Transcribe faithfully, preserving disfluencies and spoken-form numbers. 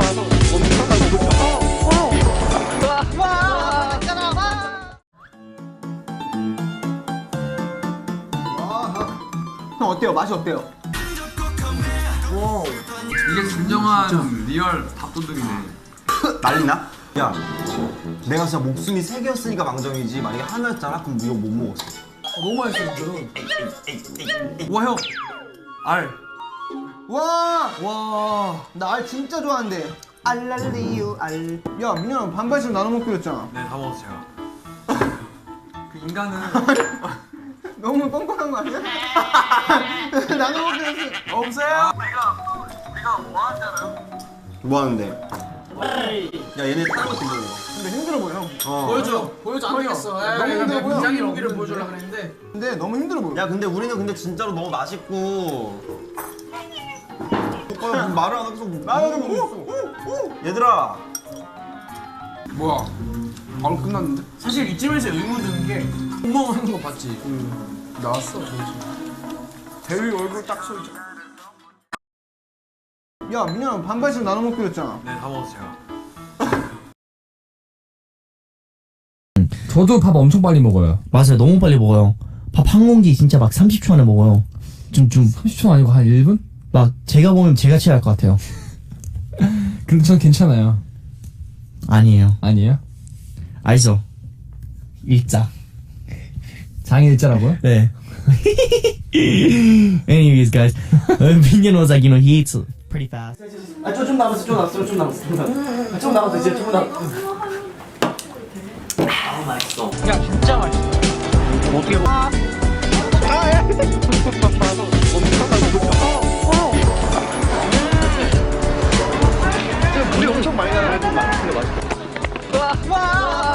형 어때요? 맛이 어때요? 와 이게 진정한 진짜. 리얼 밥도둑이네. 난리나? 야 내가 진짜 목숨이 세 개였으니까 망정이지 만약에 하나였잖아? 그럼 이거 못 먹었어. 아, 너무 맛있어 이거는. 와 형! 알! 와! 와! 나 알 진짜 좋아하는데. 알랄리유 알. 야 민현아 반반씩 나눠 먹기로 했잖아. 네 다 먹었어 제가. 그 인간은 너무 뻔뻔한 거 아니야? 나눠 먹기로 했어. 없어요? 뭐 하는데? 야 얘네 다른 것도 먹어. 근데 힘들어 보여. 어. 보여줘! 보여줘 안 되겠어. 너무 힘들어 보여. 굉장히 로기를 보여주려고 그랬는데 근데 너무 힘들어 보여. 야 근데 우리는 근데 진짜로 너무 맛있고 오빠 말을 안 하고서 말을 하고 얘들아 뭐야? 바로 끝났는데? 사실 이쯤에서 의문 드는 게 구멍 하는 거 봤지? 응 나왔어 뭐지? 대위 얼굴 딱 서있잖아. 야 민현아 반반씩 나눠 먹기로 했잖아. 네 다 먹었어 제가. 저도 밥 엄청 빨리 먹어요. 맞아요. 너무 빨리 먹어요. 밥 한 공기 진짜 막 삼십 초 안에 먹어요. 좀, 좀, 삼십 초 아니고 한 일 분? 막 제가 보면 제가 취할 것 같아요. 근데 전 괜찮아요. 아니에요. 아니에요? 알죠? 일자. 장애 일자라고요? 네. Anyways, guys. Minion was like, you know, he eats pretty fast. 아, 좀, 좀 남았어, 좀 남았어, 좀 남았어, 좀 남았어. 아, 좀 남았어, 이제 좀 남았어. 아, 맛있어. 야, 진짜 맛있어. 어떻게 먹어? 아, 물이 엄청 많이 나는데 맛있어. 와, 와.